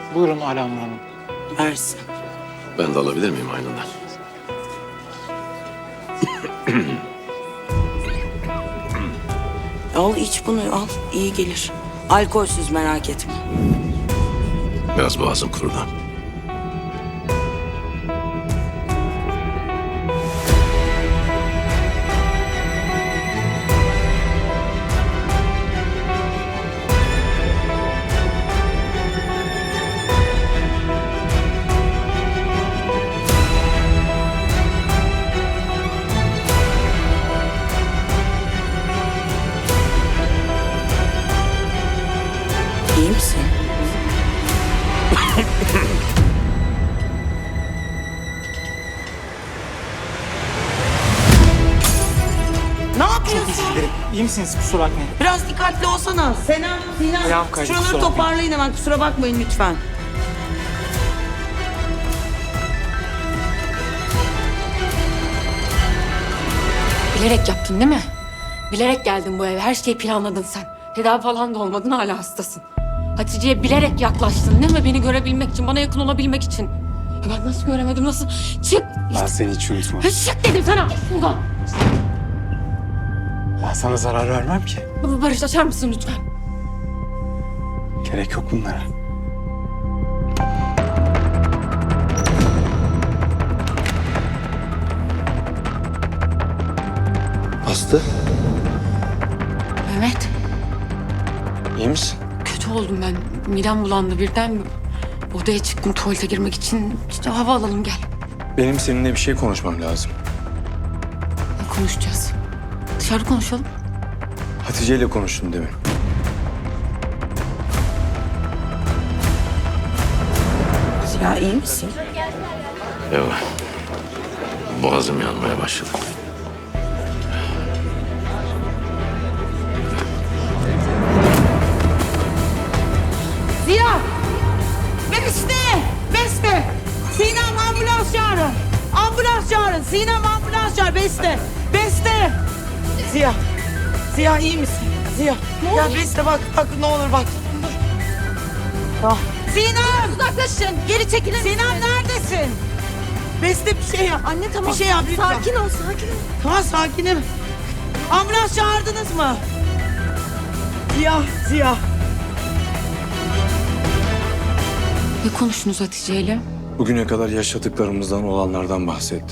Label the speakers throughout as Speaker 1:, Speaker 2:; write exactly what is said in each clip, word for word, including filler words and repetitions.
Speaker 1: Buyurun Alamur Hanım.
Speaker 2: Versin.
Speaker 3: Ben de alabilir miyim aynından?
Speaker 2: Al iç bunu al. İyi gelir. Alkolsüz merak etme.
Speaker 3: Biraz boğazım kurudu.
Speaker 2: İyi misin? Ne yapıyorsun?
Speaker 1: İyi misiniz? Kusura bakmayın.
Speaker 2: Biraz dikkatli olsana. Senem, Sinan.
Speaker 1: Ayağım kaydı,
Speaker 2: Şuraları
Speaker 1: kusura bakmayın.
Speaker 2: toparlayın hemen. Kusura bakmayın lütfen.
Speaker 4: Bilerek yaptın değil mi? Bilerek geldin bu eve. Her şeyi planladın sen. Tedavi falan da olmadın, hala hastasın. Hatice'ye bilerek yaklaştın değil mi? Beni görebilmek için, bana yakın olabilmek için. Ya ben nasıl göremedim, nasıl? Çık!
Speaker 1: Ben seni hiç unutmam.
Speaker 4: Ha, çık dedim sana! Buradan!
Speaker 1: Ben sana zarar vermem ki.
Speaker 4: Baba Barış, açar mısın lütfen?
Speaker 1: Gerek yok bunlara.
Speaker 3: Aslı,
Speaker 4: Mehmet,
Speaker 3: iyi misin?
Speaker 4: kötü oldum ben. Midem bulandı birden. Odaya çıktım tuvalete girmek için. İşte hava alalım, gel.
Speaker 5: Benim seninle bir şey konuşmam lazım.
Speaker 4: Ne konuşacağız? Dışarı konuşalım.
Speaker 5: Hatice ile konuştum demin.
Speaker 2: Ya iyi misin?
Speaker 3: Yok. Boğazım yanmaya başladı.
Speaker 2: Ziya! Beste! Beste! Sinem ambulans çağırın. Ambulans çağırın. Sinem ambulans çağır. Beste! Beste! Ziya! Ziya iyi misin? Ziya! Ya Beste bak, bak ne olur bak. Dur. Tamam. Sinem! Uzaklaşın. Geri çekilin. Sinem neredesin? Beste bir şey yap. Anne tamam. Bir şey yap lütfen. Sakin ol, sakin ol. Tamam sakinim. Ambulans çağırdınız mı? Ziya, Ziya.
Speaker 4: Ne konuştunuz Hatice'yle?
Speaker 5: Bugüne kadar yaşadıklarımızdan, olanlardan bahsetti.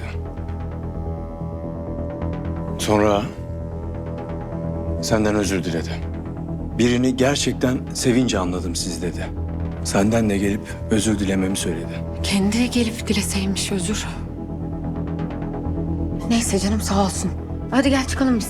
Speaker 5: Sonra senden özür diledi. Birini gerçekten sevince anladım siz dedi. Senden de gelip özür dilememi söyledi.
Speaker 4: Kendi gelip dileseymiş özür. Neyse canım, sağ olsun. Hadi gel çıkalım biz.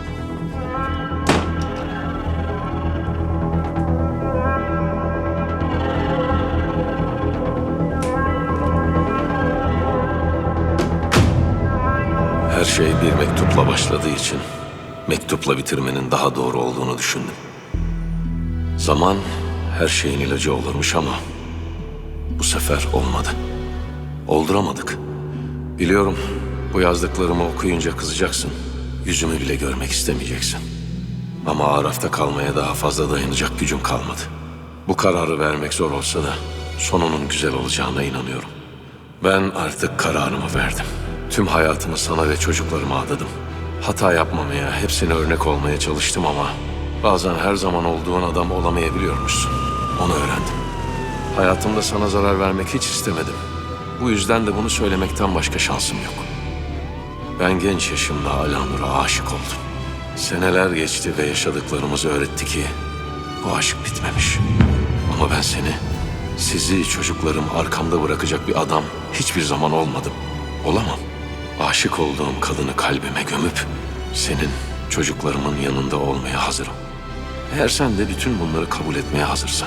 Speaker 3: Her şey bir mektupla başladığı için mektupla bitirmenin daha doğru olduğunu düşündüm. Zaman her şeyin ilacı olurmuş ama bu sefer olmadı. Olduramadık. Biliyorum, bu yazdıklarımı okuyunca kızacaksın. Yüzümü bile görmek istemeyeceksin. Ama Araf'ta kalmaya daha fazla dayanacak gücüm kalmadı. Bu kararı vermek zor olsa da sonunun güzel olacağına inanıyorum. Ben artık kararımı verdim. Tüm hayatımı sana ve çocuklarıma adadım. Hata yapmamaya, hepsine örnek olmaya çalıştım ama bazen her zaman olduğun adam olamayabiliyormuşsun. Onu öğrendim. Hayatımda sana zarar vermek hiç istemedim. Bu yüzden de bunu söylemekten başka şansım yok. Ben genç yaşımda Alanur'a aşık oldum. Seneler geçti ve yaşadıklarımız öğretti ki bu aşk bitmemiş. Ama ben seni, sizi, çocuklarım arkamda bırakacak bir adam hiçbir zaman olmadım. Olamam. Aşık olduğum kadını kalbime gömüp senin, çocuklarımın yanında olmaya hazırım. Eğer sen de bütün bunları kabul etmeye hazırsan.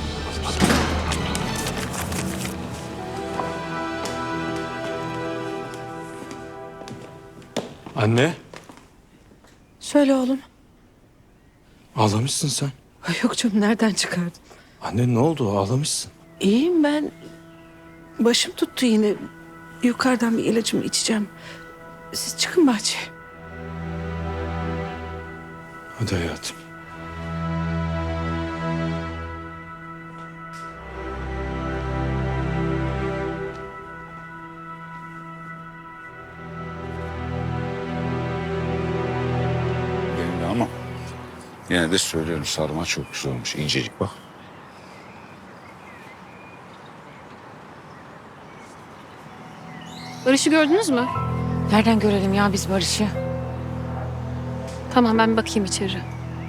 Speaker 5: Anne,
Speaker 6: Söyle oğlum.
Speaker 5: ağlamışsın sen.
Speaker 6: Ay yok canım, nereden çıkardın?
Speaker 5: Anne ne oldu? Ağlamışsın.
Speaker 6: İyiyim ben. Başım tuttu yine. Yukarıdan bir ilacımı içeceğim. Siz çıkın bahçeye.
Speaker 5: Hadi hayatım.
Speaker 7: Yine de söylüyorum, sarma çok güzel olmuş. İncecik bak.
Speaker 8: Barış'ı gördünüz mü?
Speaker 4: Nereden görelim ya biz Barış'ı?
Speaker 8: Tamam, ben bir bakayım içeri.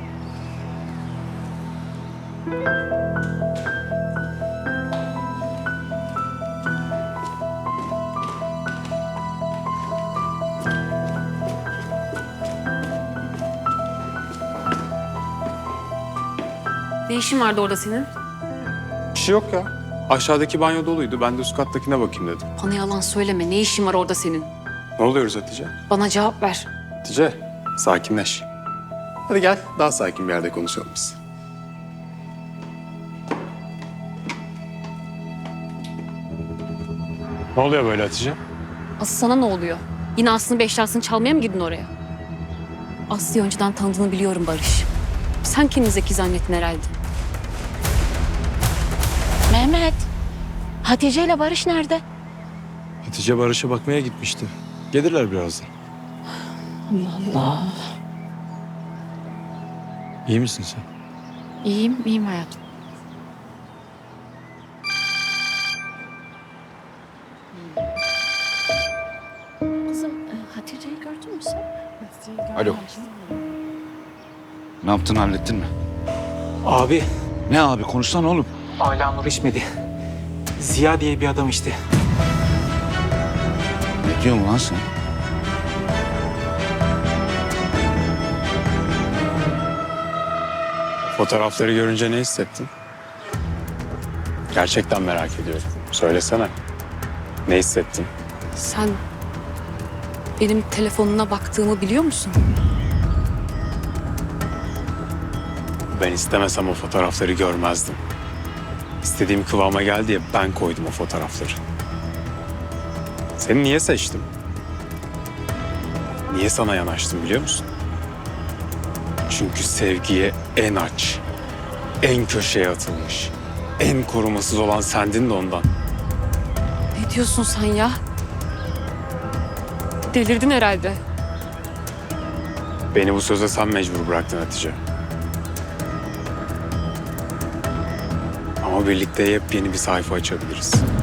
Speaker 8: Ne işin vardı orada senin?
Speaker 9: Bir şey yok ya. Aşağıdaki banyo doluydu. Ben de üst kattakine bakayım dedim.
Speaker 8: Bana yalan söyleme. Ne işin var orada senin?
Speaker 9: Ne oluyoruz Hatice?
Speaker 8: Bana cevap ver.
Speaker 9: Hatice, sakinleş. Hadi gel, daha sakin bir yerde konuşalım biz. Ne oluyor böyle Hatice?
Speaker 8: Aslı sana ne oluyor? Yine Aslı'nın eşyasını çalmaya mı gidin oraya? Aslı'yı önceden tanıdığını biliyorum Barış. Sen kendini zeki zannettin herhalde.
Speaker 4: Mehmet. Hatice ile Barış nerede?
Speaker 5: Hatice Barış'a bakmaya gitmişti. Gelirler birazdan.
Speaker 4: Allah Allah.
Speaker 5: İyi misin sen?
Speaker 4: İyiyim, iyiyim hayatım.
Speaker 8: Kızım, Hatice'yi gördün mü sen?
Speaker 7: Alo. Ne yaptın, hallettin mi?
Speaker 1: Abi,
Speaker 7: Ne abi, konuşsana oğlum.
Speaker 1: Ala Nur içmedi. Ziya diye bir adam işte.
Speaker 7: Ne diyorsun lan sen?
Speaker 9: Fotoğrafları görünce ne hissettin? Gerçekten merak ediyorum. Söylesene. Ne hissettin?
Speaker 8: Sen benim telefonuna baktığımı biliyor musun?
Speaker 9: Ben istemesem o fotoğrafları görmezdim. İstediğim kıvama geldi ya, ben koydum o fotoğrafları. Seni niye seçtim? Niye sana yanaştım biliyor musun? Çünkü sevgiye en aç, en köşeye atılmış, en korumasız olan sendin de ondan.
Speaker 8: Ne diyorsun sen ya? Delirdin herhalde.
Speaker 9: Beni bu söze sen mecbur bıraktın Hatice. Ama birlikte yepyeni bir sayfa açabiliriz.